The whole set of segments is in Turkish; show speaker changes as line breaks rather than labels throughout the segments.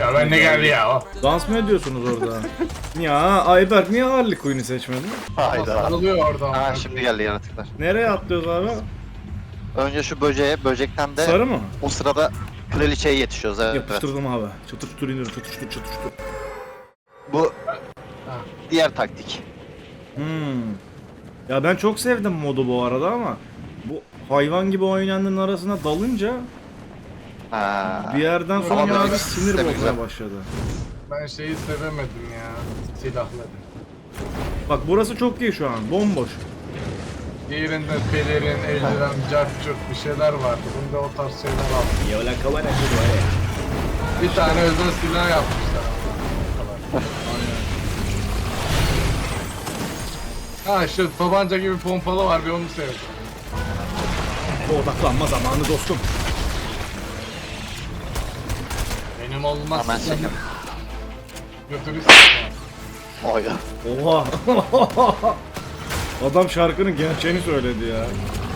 Ya ben ne geldi ya?
Dans mı ediyorsunuz orada? Ya Ayberk niye Harley Quinn'i seçmedin?
Hayda.
Sarılıyor orada.
Ha şimdi geldi yaratıklar.
Nereye atlıyoruz abi?
Önce şu böceğe, böcekten de
Sarı mı?
o sırada kraliçeye yetişiyoruz. Evet.
Yapıştırdım abi. Çatır çutur iniyorum. Çatır çutur çatır çutur.
Bu diğer taktik.
Ya ben çok sevdim modu bu arada ama bu hayvan gibi oynayanların arasına dalınca
Ha.
bir yerden sonra
Ama
abi
böyle
sinir
sistemi
bozmaya
güzel.
başladı.
Ben şeyi sevemedim ya. Silahları.
Bak burası çok iyi şu an. Bomboş.
Diğerinde pelerin, eldiven, cart curt bir şeyler vardı. Bunda o tarz şeyler aldım.
Ya la kavana
Bir tane özel silah yapmışlar. Ha şu tabanca gibi pompalı var, bir onu sevdim.
Odaklanma zamanı dostum.
Benim olmaz.
Hemen çekim.
Götürürsün.
Oy.
Oha. Adam şarkının gerçeğini söyledi ya.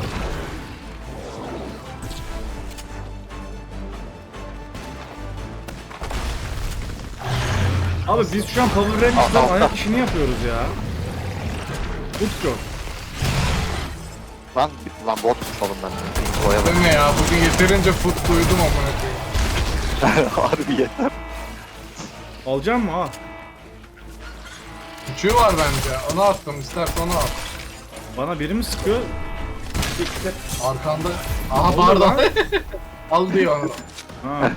Abi biz şu an Power Rangers'dan ayak işini yapıyoruz ya. Utku.
Lan botmuş oğlum ben. Boya
Bu ne ya? Bugün yeterince fut duydum amına koyayım.
Harbi yeter.
Alacağım mı ha?
Küçüğü var bence. Onu attım. İstersen onu at.
Bana biri mi sıkıyor? Siktir.
Arkanda. Aha
oldu
pardon.
lan?
Al diyor onu.
Ha.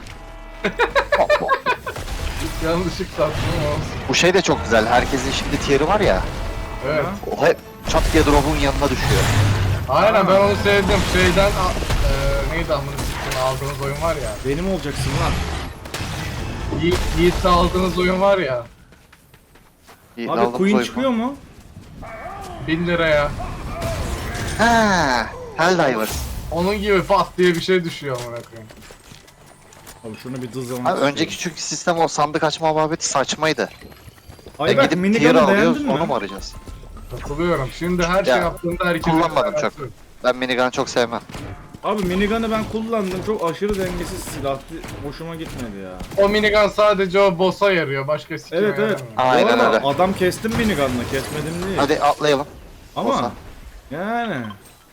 Yanlışlıkla attım ama.
Bu şey de çok güzel. Herkesin şimdi tier'i var ya.
Evet.
O hep çat diye drop'un yanına düşüyor.
Aynen ben onu sevdim. Şeyden neydi amına sikeyim, aldığınız oyun var ya.
Benim olacaksın lan.
Yiğit'te aldığınız oyun var ya.
İyi,
Abi
aldığımız
Queen
oyun
çıkıyor
var.
mu?
1000 liraya.
Ha, Helldivers.
Onun gibi pat diye bir şey düşüyor amına koyayım.
Abi şunu bir dızlamak
Abi önceki çünkü sistem o sandık açma muhabbeti saçmaydı.
Ayberk
Gidip tier
minigun'u
alıyoruz
beğendin
onu mu
mi?
arayacağız?
Katılıyorum. Şimdi her şey
Ya,
yaptığında herkes
kullanmadım çok. Ben minigun'u çok sevmem.
Abi minigun'u ben kullandım. Çok aşırı dengesiz silahtı. Hoşuma gitmedi ya.
O minigun sadece o boss'a yarıyor. Başka sikime
Evet evet.
yaramıyor.
Aynen
Bu arada
öyle.
adam kestim minigun'la. Kesmedim değil.
Hadi atlayalım.
Ama
olsa.
yani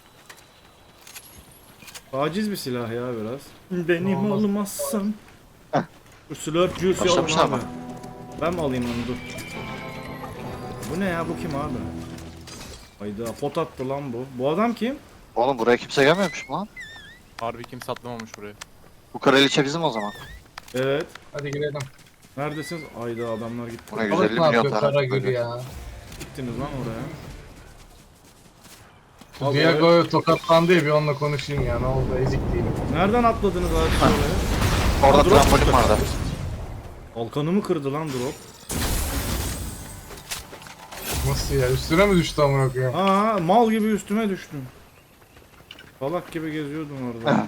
taciz bir silah ya biraz. Benim
Olmaz.
olmazsan.
Heh.
Şu slurp juice alın
Başlamışlar
abi.
mı?
Ben mi alayım onu dur. Bu ne ya, bu kim abi? Hayda pot attı lan bu. Bu adam kim?
Oğlum buraya kimse gelmemiş mi lan?
Harbi kimse atlamamış buraya.
Bu kraliçe bizim o zaman.
Evet.
Hadi girelim.
Neredesiniz? Hayda adamlar gitti.
Buna
Balık
150
ne
milyon
yapıyor
tane.
Karagül ya?
Gittiniz lan oraya.
Şu
Abi,
Diego tokatlandı ya, bir onunla konuşayım ya, ne oldu, ezik değilim.
Nereden atladınız abi şöyle?
Orada
Drop
trambolin
çıktı.
vardı.
Kalkanımı kırdı lan drop.
Nasıl ya, üstüne mi düştü amına koyayım?
Aa mal gibi üstüme düştüm. Salak gibi geziyordum orada.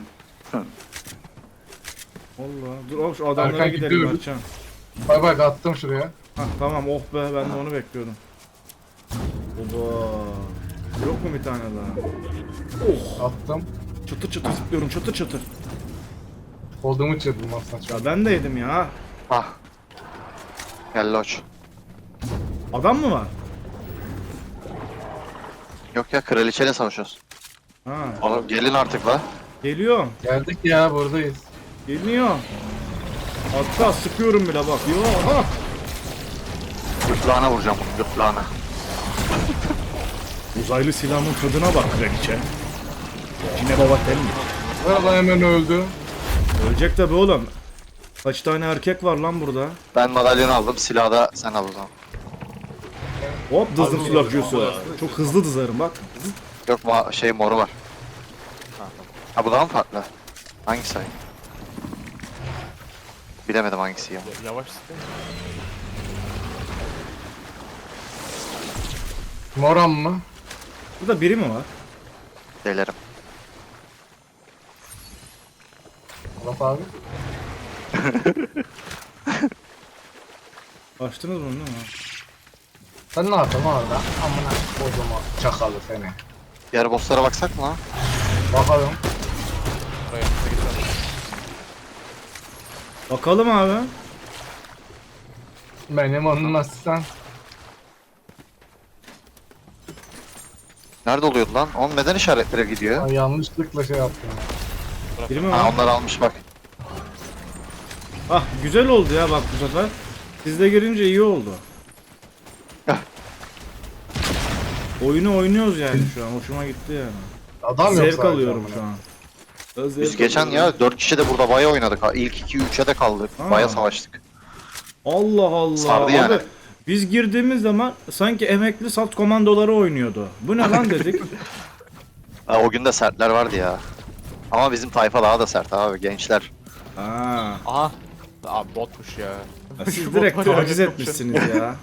Allah. Dur oğlum şu adamlara
Erkan
gidelim
gidiyoruz.
Mertcan.
Bak bak attım şuraya.
Hah tamam, oh be, ben de onu bekliyordum. Oba. Yok mu bir tane daha? Oh.
Attım.
Çıtır çıtır zıplıyorum, çıtır çıtır.
Koldumu çırdım aslında.
Ya ben de yedim ya.
Ah. Gel loç.
Adam mı var?
Yok ya kraliçeyle savaşıyoruz.
Ha.
Oğlum gelin artık la.
Geliyorum.
Geldik ya, buradayız.
Geliyor. Hatta sıkıyorum bile bak. Yo. Ha.
Gırtlağına vuracağım bunu gırtlağına.
Uzaylı silahın tadına bak kraliçe. Cine baba telli.
Araba hemen öldü.
Ölecek tabi oğlum. Kaç tane erkek var lan burada?
Ben madalyonu aldım silahı da sen al o zaman.
Hop dızdım silahcısı. Çok hızlı dızarım bak.
Yok şey moru var. Ha bu daha mı farklı? Hangisi ay? Bilemedim hangisi ya.
Yavaş sıkı.
Moran mı?
Burada biri mi var?
Delerim.
Bak abi.
Açtınız bunu değil mi?
Sen ne yaptın orada? Amına kodumu çakalı seni.
Diğer bosslara baksak mı lan?
Bakalım.
Buraya geçelim.
Bakalım abi.
Benim olmazsan.
Nerede oluyordu lan? Onun neden işaretlere gidiyor?
Ay, yanlışlıkla şey yaptım.
Biri mi
Ha
var?
onlar almış bak.
Ah güzel oldu ya bak bu sefer. Siz de girince iyi oldu. Oyunu oynuyoruz yani şu an. Hoşuma gitti yani.
Adam yok
Zevk
sadece
alıyorum
amına.
şu an.
Biz
Zevk
geçen
alıyorum.
ya 4 kişi de burada baya oynadık. Ha. İlk 2-3'e de kaldık.
Ha.
Baya savaştık.
Allah Allah.
Sardı yani.
Abi, biz girdiğimiz zaman sanki emekli salt komandoları oynuyordu. Bu ne lan dedik.
Ha, o gün de sertler vardı ya. Ama bizim tayfa daha da sert abi gençler.
Aa,
Aha. Abi botmuş ya.
siz
Şu
direkt
bot var ya,
taciz
çok
etmişsiniz ya.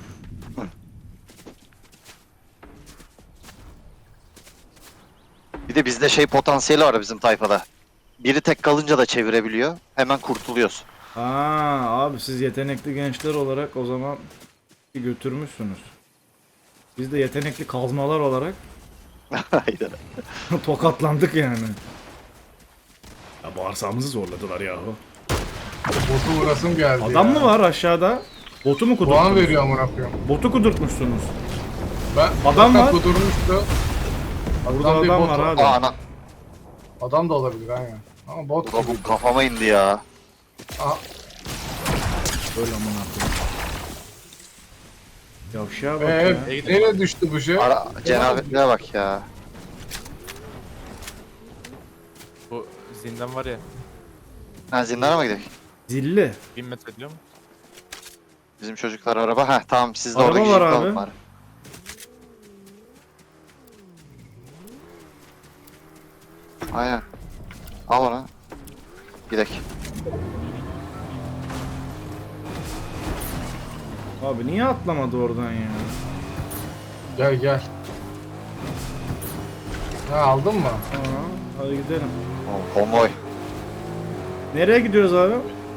Bir de bizde şey potansiyeli var bizim tayfada. Biri tek kalınca da çevirebiliyor. Hemen kurtuluyoruz.
Aa, abi siz yetenekli gençler olarak o zaman götürmüşsünüz. Biz de yetenekli kazmalar olarak
Haydi.
tokatlandık yani. Ya bağırsağımızı zorladılar yahu.
Botu vurasım geldi
Adam
ya.
mı var aşağıda? Botu mu
Puan
kudurttunuz?
veriyor amına koyayım.
Botu kudurtmuşsunuz.
Ben
Adam
zaten
var.
kudurmuştu.
Burada
bir
adam
bot
var
var.
abi.
Aa ana.
Adam da olabilir aynen. Ama bot
Bu da bu kafama indi ya.
Aha,
Böyle amına koyayım. Yavşağa bak ya.
nereye düştü bu şey?
Ara cenabetliğe bak ya.
Bu zindan var ya.
Ha zindana mı gidelim?
Zilli.
1000 metre diyor mu?
Bizim çocuklar araba. Heh tamam siz de
Araba
oradaki
var
jipi
abi.
alın bari. Aynen. Al onu. Gidelim.
Abi niye atlamadı oradan ya?
Gel gel. Ha aldın mı?
Aa, hadi gidelim.
O konvoy.
Nereye gidiyoruz abi?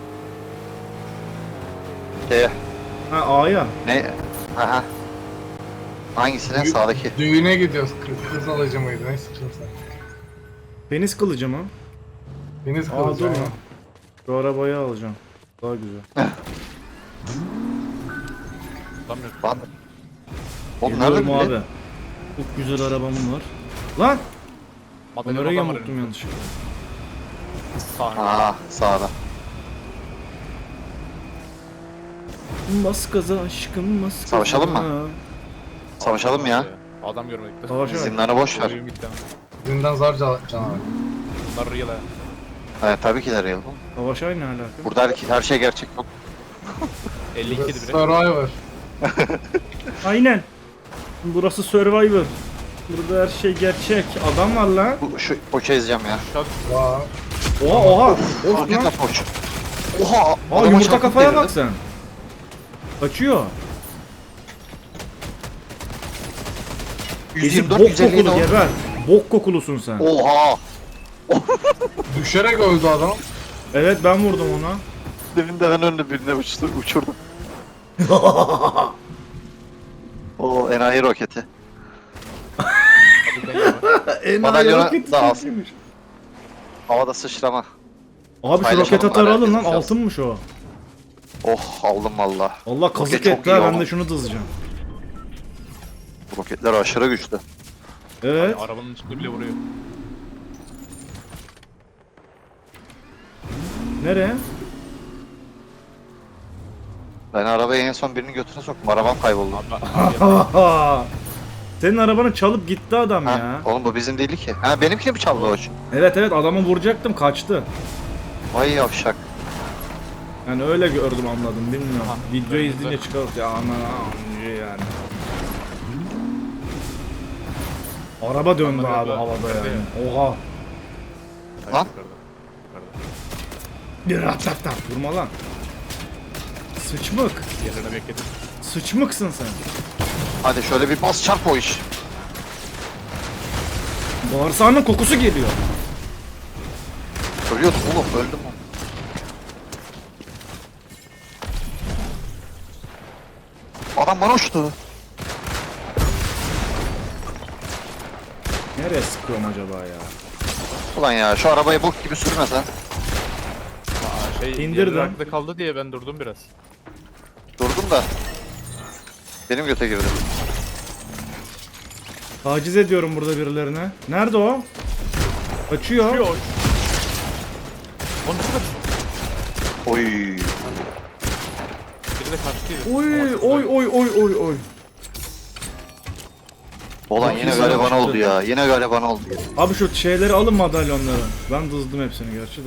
Şeye.
Ha A'ya.
Ne? Aha. Hangisine? Sağdaki.
Düğüne gidiyoruz. Kız alıcı mıydı? Ne sıkıntı?
Deniz kılıcı mı?
Deniz
Aa
kılıcı.
dur
aynen.
lan. Şu arabayı alacağım. Daha güzel.
Adam yok.
Lan. Oğlum nerede
Geliyorum
bile?
abi. Çok güzel arabam var. Lan!
Madalyon
Kamerayı
adam var
yamulttum
önümde.
yanlışlıkla.
Sahne.
Aa sağda.
Bas gaza aşkım bas gaza.
Savaşalım mı? Savaşalım ya.
Adam görmedik.
Savaşa bak.
Zindanı boş ver.
Oyun gitti ama.
Zindan zar canavar.
Bunlar real ha.
Evet tabii ki de real.
Savaşa ne alaka?
Burada her şey gerçek yok.
52 idi bile.
Survivor.
Aynen. Burası Survivor. Burada her şey gerçek. Adam var lan.
Şu poça ezeceğim ya.
Vay.
Oha oha. Of
Hakikaten
lan.
poç. Oha!
Aa
adama
yumurta
çarpıp
kafaya
devirdim.
bak sen. Kaçıyor. Ezik
124
bok
157
kokulu geber. Bok kokulusun sen.
Oha!
Düşerek öldü adam.
Evet ben vurdum ona.
Deminden önünde birine uçurdum. O enayi roketi. Madalyona
roketi
da
çok
alsın.
iyiymiş.
Havada sıçrama.
Abi şu
Paylaşalım
roket atarı
bari,
alın lan
herkes
altınmış o.
Oh aldım valla.
Allah kazık
Roket çok
etti
iyi
ha ben
ama.
de şunu dızacağım.
Bu roketler aşırı güçlü.
Evet.
Arabanın içinde bile vuruyor.
Nereye?
Ben arabaya en son birinin götüne soktum. Arabam kayboldu.
Abi
Senin arabanı çalıp gitti adam
Ha,
ya.
oğlum bu bizim değildi ki. Ha benimkini mi çaldı o?
Evet evet adamı vuracaktım kaçtı.
Vay yavşak.
Yani öyle gördüm anladım bilmiyorum.
Ha,
Videoyu
evet,
izleyince çıkar ya aman yani. Araba döndü
Araba
abi
döndü.
havada
Nerede
yani. Oha.
Lan.
Bir rat vurma lan. Sıçmık.
Yerine bekledim.
Sıçmıksın sen.
Hadi şöyle bir bas çarp o iş.
Bağırsağının kokusu geliyor.
Ölüyordum oğlum öldüm. Adam bana uçtu.
Nereye sıkıyorum acaba ya?
Ulan ya şu arabayı bok gibi sürmesen.
Aa, şey
İndirdim.
yarı arkada kaldı diye ben durdum biraz.
Dur vurdum da. Benim göte girdi.
Taciz ediyorum burada birilerine. Nerede o? Kaçıyor.
Yok. Onu nasıl kaç?
Oy.
Biri de kaçtıydı.
Oy oy oy oy oy oy.
Ulan
Çok
yine
güzel
gariban
çıktı.
oldu ya. Yine gariban oldu ya.
Abi şu şeyleri alın, madalyonları. Ben dızdım hepsini gerçi de.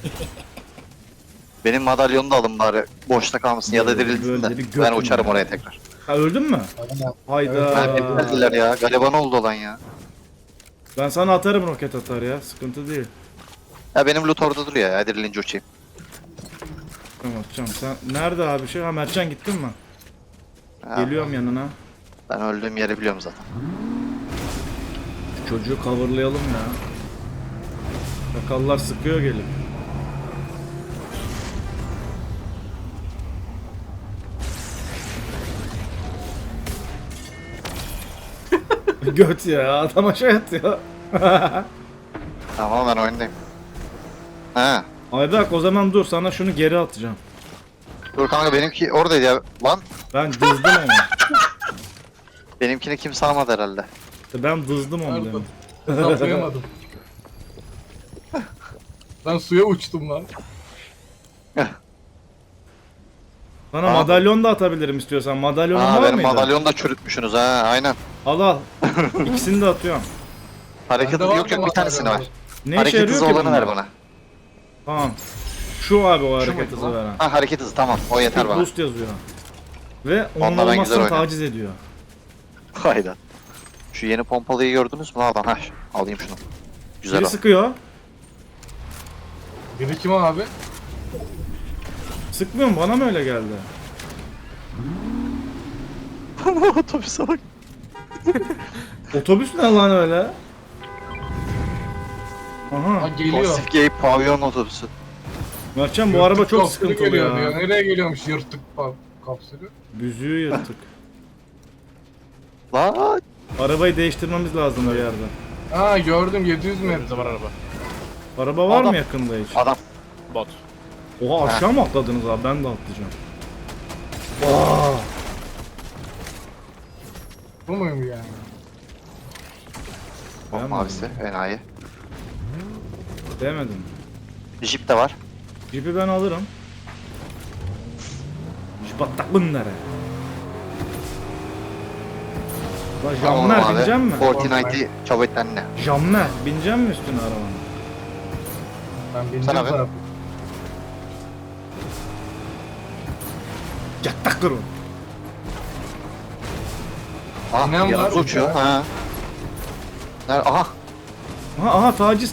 Benim madalyonu da alın bari. Boşta kalmasın ya da
Böyle
dirilsin de.
bir
Ben
götüm
uçarım
ya.
oraya tekrar.
Ha, öldün mü?
Aynen.
Hayda.
Ha, hep geldiler ya. Gariban oldu lan ya.
Ben sana atarım, roket atar ya. Sıkıntı değil.
Ya benim loot orada duruyor ya. Dirilince uçayım.
Tamam, atacağım. Sen nerede abi şey? Ha, Mertcan gittin mi?
Ha,
Geliyorum yanına.
Ben öldüğüm yeri biliyorum zaten.
Şu çocuğu coverlayalım ya. Sakallar sıkıyor gelip. Göt ya, adam aşağı yatıyor.
Tamam ben oyundayım. Ha.
Ayberk, o zaman dur, sana şunu geri atacağım.
Dur kanka benimki oradaydı ya. Lan
Ben dızdım onu.
benimkini kimse almadı herhalde.
Ben dızdım onu
Nerede?
demin.
Kaplayamadım. Ben suya uçtum lan.
Sana
Abi.
madalyon da atabilirim istiyorsan. Madalyonun
Aa
var
benim
mıydı?
madalyonu da çürütmüşsünüz ha aynen.
Al al. İkisini de atıyorum.
Hareket
Bende var
yok
mı
bir tanesini
madalyon?
var.
Ne işe
Hareket
yarıyor
hızı
ki
olanı
bunlar?
ver bana.
Tamam. Şu abi o
Şu
hareket
muydu
hızı
lan?
veren.
Ha hareket hızı tamam o yeter
Speed
bana.
boost yazıyor. Ve onun
Onunla ben güzel
olmazsan
oynarım.
taciz ediyor.
Hayda. Şu yeni pompalıyı gördünüz mü adam? Ha alayım şunu. Güzel
Biri
o.
sıkıyor.
Biri kim abi?
Sıkmıyor mu? Bana mı öyle geldi?
Otobüse bak.
Otobüs ne lan öyle?
Ha
Aha.
geliyor.
Pasif gay pavyon otobüsü.
Mertcan bu araba çok
Kapsülü
sıkıntılı
geliyor
ya.
diyor. Nereye geliyormuş yırtık kapsülü?
Büzüğü yırtık.
Lan.
Arabayı değiştirmemiz lazım bir yerde.
Ha gördüm 700 metre.
Önümüzde var araba.
Araba var
Adam.
mı yakında hiç?
Adam.
Bot.
Oha, aşağı mı atladınız abi? Ben de atlayacağım. Aa!
Bu muyum yani?
Bak
Ben
mavisi enayi.
Demedim.
Jeep de var.
Jeep'i ben alırım. Jip attak bunlara. Lan
Tamam
Jammer
abi.
binecek mi?
Fortnite'i çabuk ne?
Jammer binecek mi üstüne arabanın?
Ben
Sana
bineceğim
be.
sana.
Yattak durun.
Ah
İnan var
yanımıza
mı
uçuyor.
ya?
Ha. Nerede? Aha.
Aha taciz.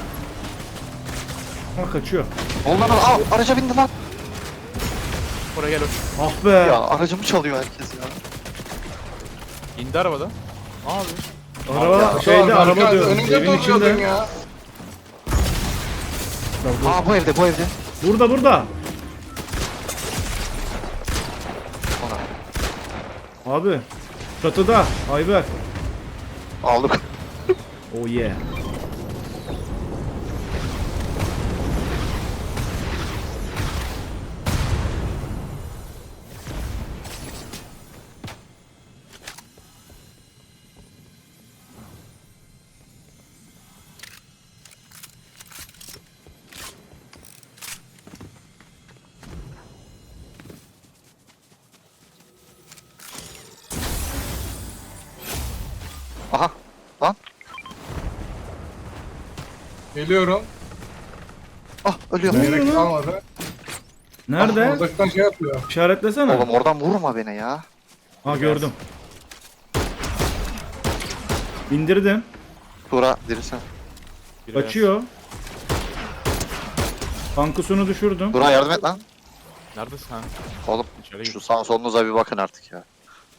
Ha, kaçıyor.
Ondan al araca bindi lan.
Oraya gel.
Ah be.
Ya aracımı çalıyor herkes ya.
İndi arabadan. Abi.
Araba
Ya,
şeyde,
Arka-
araba diyorum.
Önümde
Evin
duruyordun
içinde.
ya.
Aa bu evde bu evde.
Burada.
Ona.
Abi. Çatıda. Ayber.
Aldık.
Oh yeah.
Aha. Lan.
Geliyorum.
Ah ölüyorum.
Gerek kalmadı.
Nerede?
Ah, uzaktan şey yapıyor.
İşaretlesene.
Oğlum oradan vurma beni ya.
Ha, gördüm. İndirdim.
Tura dirirsen.
Biri
Kaçıyor. Tankusunu düşürdüm.
Tura yardım et lan.
Neredesin ha?
Oğlum
İçeri
şu
git.
sağ solunuza bir bakın artık ya.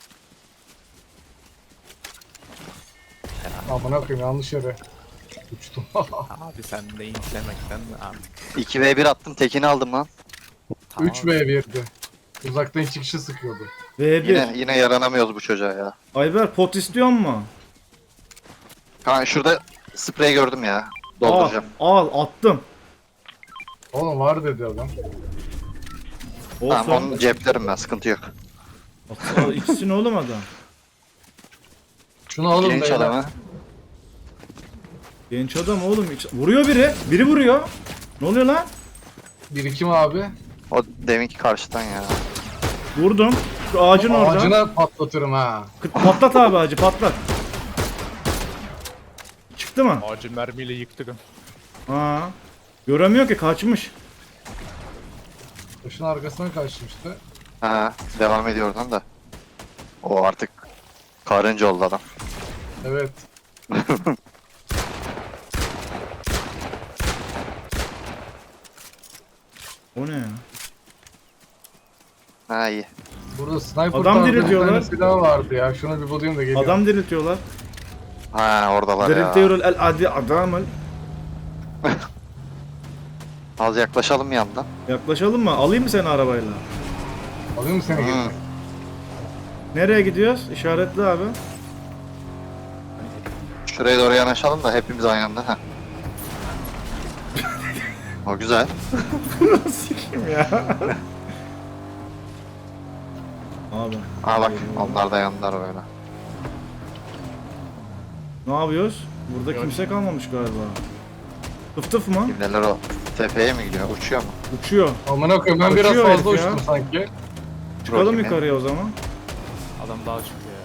Amına koyayım yanlış yere. Uçtum.
Abi sen de incelemekten artık.
2v1 attım tekini aldım lan.
3v1'di. Uzaktan iki kişi sıkıyordu.
V1.
Yine yaranamıyoruz bu çocuğa ya.
Ayber pot istiyor mu?
Kanka şurada sprey gördüm ya. Dolduracağım.
Al attım.
Oğlum var dedi adam.
Tamam
Olsun.
onu ceplerim ben, sıkıntı yok.
İkisini oğlum adam.
Şunu alın
Genç
beyler.
adamı.
Genç adam oğlum. Vuruyor biri. Biri vuruyor. Ne oluyor lan?
Birikim abi.
O deminki karşıdan ya.
Vurdum. Şu ağacın orada.
Ağacına patlatırım ha.
Patlat abi ağacı patlat. Çıktı mı?
Ağacı mermiyle yıktık.
Ha. Göremiyor ki kaçmış.
Taşın arkasına kaçmıştı.
Ha, devam ediyor oradan da. O artık karınca oldu adam.
Evet.
O ne ya?
Ha iyi.
Burada sniper
Adam
tarzı bir
diriltiyorlar.
tane silah vardı ya. Şunu bir bulayım da geliyorum.
Adam diriltiyorlar.
Ha oradalar ya.
Diriltiyor el adi adamı.
Az yaklaşalım yandan.
Yaklaşalım mı? Alayım mı seni arabayla?
Alayım mı seni
Hı.
geri?
Nereye gidiyoruz? İşaretli abi.
Şuraya doğru yanaşalım da hepimiz aynı anda. Heh. O güzel.
Sikim ya. Abi.
Aa bak onlar da yandılar böyle.
Ne yapıyoruz? Burada
Yok.
kimse kalmamış galiba. Tıf tıf mı?
Kimler o? Tepeye mi gidiyor? Uçuyor mu?
Uçuyor.
Amına koyayım ben biraz
Kaçıyor
fazla
herif ya.
uçtum sanki.
Çıkalım
Bakayım ya.
yukarıya o zaman.
Adam daha çıktı ya.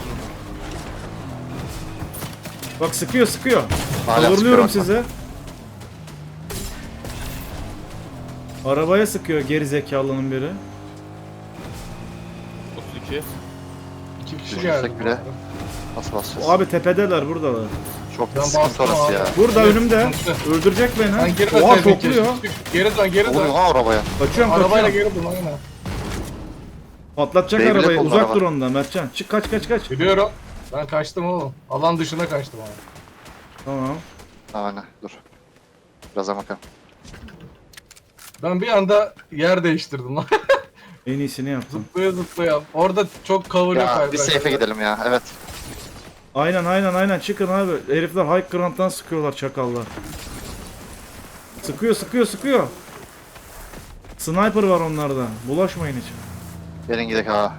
Bak sıkıyor sıkıyor.
Hala
Kavurluyorum
sıkıyor
size. Arabaya sıkıyor geri zekalının biri.
32.
2 kişi
Düşünsek
geldi.
bile. Nasıl basacağız?
Abi tepedeler buradalar.
Çok
Ben
sıkıntı
bastım
orası
abi.
ya.
Burada
Evet,
önümde.
sıkıntı.
Öldürecek
Sen
beni.
geri
Oha
dön.
topluyor.
Geri dön geri
Oluyor
dön.
ha arabaya.
Kaçıyorum
Arabayla
kaçıyorum.
geri dön aynen.
Patlatacak
Devlet
arabayı.
oldu
Uzak
araba.
dur ondan Mertcan. Çık kaç kaç kaç.
Biliyorum. Ben kaçtım oğlum. Alan dışına kaçtım abi.
Tamam.
Aynen dur. Biraz bakalım.
Ben bir anda yer değiştirdim lan.
En iyisini yaptım.
Zıplaya zıplaya. Orada çok kavuruyor
Ya
kaydı.
bir safe'e gidelim ya. Evet.
Aynen çıkın abi. Herifler high ground'dan sıkıyorlar çakallar. Sıkıyor. Sniper var onlarda. Bulaşmayın hiç.
Gelin gidelim ha.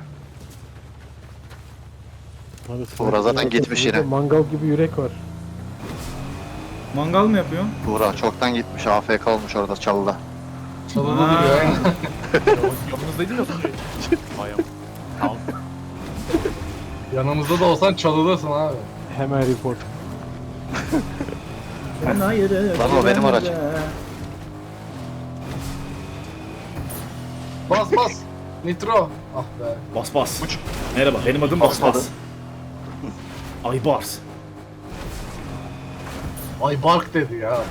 Abi,
Buğra zaten
sanki
gitmiş
burada
yine.
Mangal gibi yürek var.
Mangal mı yapıyorsun?
Buğra çoktan gitmiş. AFK olmuş orada çalıda.
Çalıda
Ha.
duruyor aynen.
Yanınızdaydın ya az önce. Bayağı. Tamam.
Yanımızda da olsan çalıdasın abi.
Hemen report.
Lan o benim aracım.
Bas bas. Nitro. Ah be.
Bas. Merhaba benim adım Bas.
Basmadı.
Ay Bars.
Ay bark dedi ya.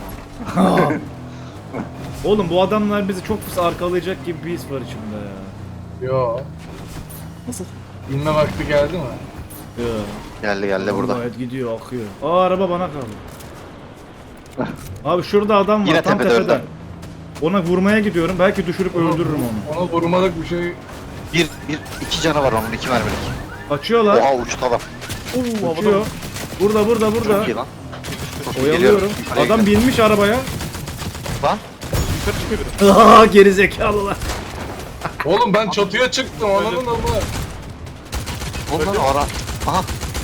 Oğlum bu adamlar bizi çok pis arkalayacak gibi bir his var içimde ya.
Yo.
Nasıl?
İnme vakti geldi mi?
Ya.
Geldi burada.
Gayet gidiyor akıyor. Aa araba bana kaldı. Abi şurada adam var
Yine
tam
tepede
tepeden.
öldü.
Ona vurmaya gidiyorum. Belki düşürüp öldürürüm onu.
Ona vurmalık bir şey.
İki canı var onun, 2 mermilik.
Kaçıyorlar.
Oha uçtu adam.
Uçuyor. Burada.
Çok iyi lan. Çok iyi,
Oyalıyorum.
geliyorum. Yukarıya
Adam
gidelim.
binmiş arabaya.
Lan.
Yukarı çıkıyor biri.
Aa geri zekalılar.
Oğlum ben çatıya çıktım anladın mı?
Ondan ara. Aha.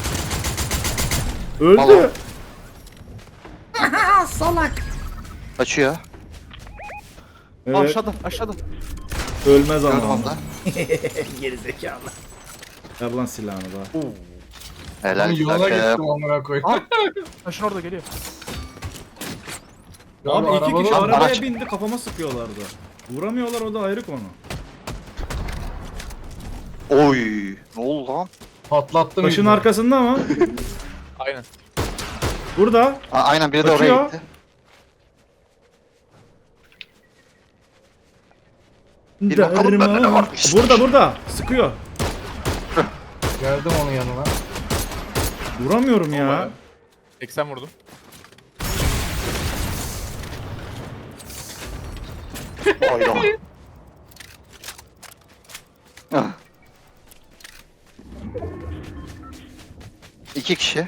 Öldü.
Vallahi.
Salak.
Kaçıyor.
Evet.
Aşağıda.
Ölmez
Gördüm
ama.
onu da.
Geri zekalı. Ver lan silahını da.
Helal
Ben yola
takım.
gittim amına koyayım.
Taşın orada geliyor.
Ya
Abi iki
arabanın-
kişi arabaya
araç.
bindi kafama sıkıyorlardı. Vuramıyorlar o da ayrı konu.
Oy. Ne oldu lan?
Patlattım.
Taşın
izni.
arkasında ama.
Aynen.
Burada.
Aa, aynen biri de
Kaçıyor.
oraya gitti. Bir bakalım bende ne
Derman.
varmış.
Burada. Sıkıyor.
Geldim onun yanına.
Vuramıyorum ya.
Vallahi. 80 vurdum.
Hayda. Ah. 2 kişi.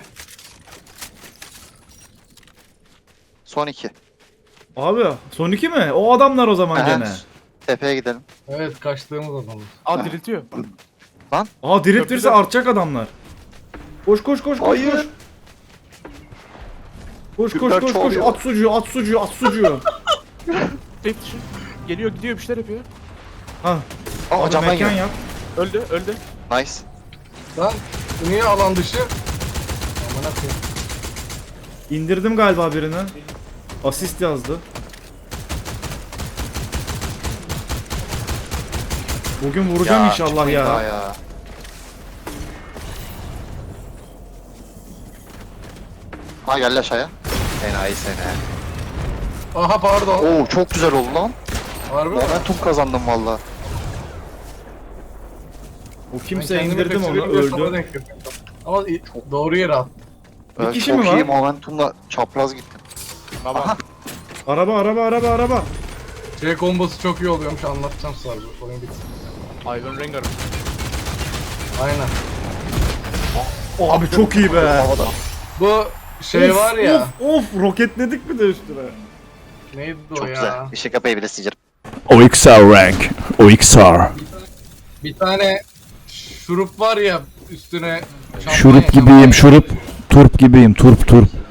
Son 2.
Abi son iki mi? O adamlar o zaman
Aha.
gene.
Tepeye gidelim.
Evet kaçtığımız adamız.
Aa diriltiyor.
Aa diriltirse
Köprüde-
artacak adamlar. Koş koş koş koş
Hayır.
koş. Koş koş
Gökler
koş koş
çoğalıyor.
at sucuğu at sucuğu at sucuğu.
Tek dışı. Geliyor gidiyor bir şeyler yapıyor.
Ha.
Aa
Abi
camdan
mekan
gel.
yap.
Öldü öldü.
Nice.
Lan niye alan dışı? Aman koyayım.
İndirdim galiba birini. Asist yazdı. Bugün vuracağım inşallah
çıkmayın daha
ya.
ya. Ha gel aşağıya. Enayi seni.
Aha pardon.
Oo çok güzel oldu lan.
Harbi mi?
Momentum kazandım valla.
O
Ben
kimse
kendimi
indirdim onu
kaçırayım diye sana
öldü.
denk getirdim. Ama doğru yere at.
Bir kişi
çok
mi var?
iyi momentumla çapraz gittim.
Baba.
Araba.
Şey kombosu çok iyi oluyormuş anlatacağım sonra bu oyun bitsin.
Ivan Rengar.
Aynen.
Abi çok iyi be.
Havada.
Bu şey
Of,
var ya.
Of roketledik mi de üstüne.
Neydi o
Çok
ya?
güzel. Işık kapıyı bile sıyırım.
OXR rank. OXR.
Bir tane şurup var ya üstüne. şampanya-
Şurup gibiyim şurup. Turp gibiyim turp turp.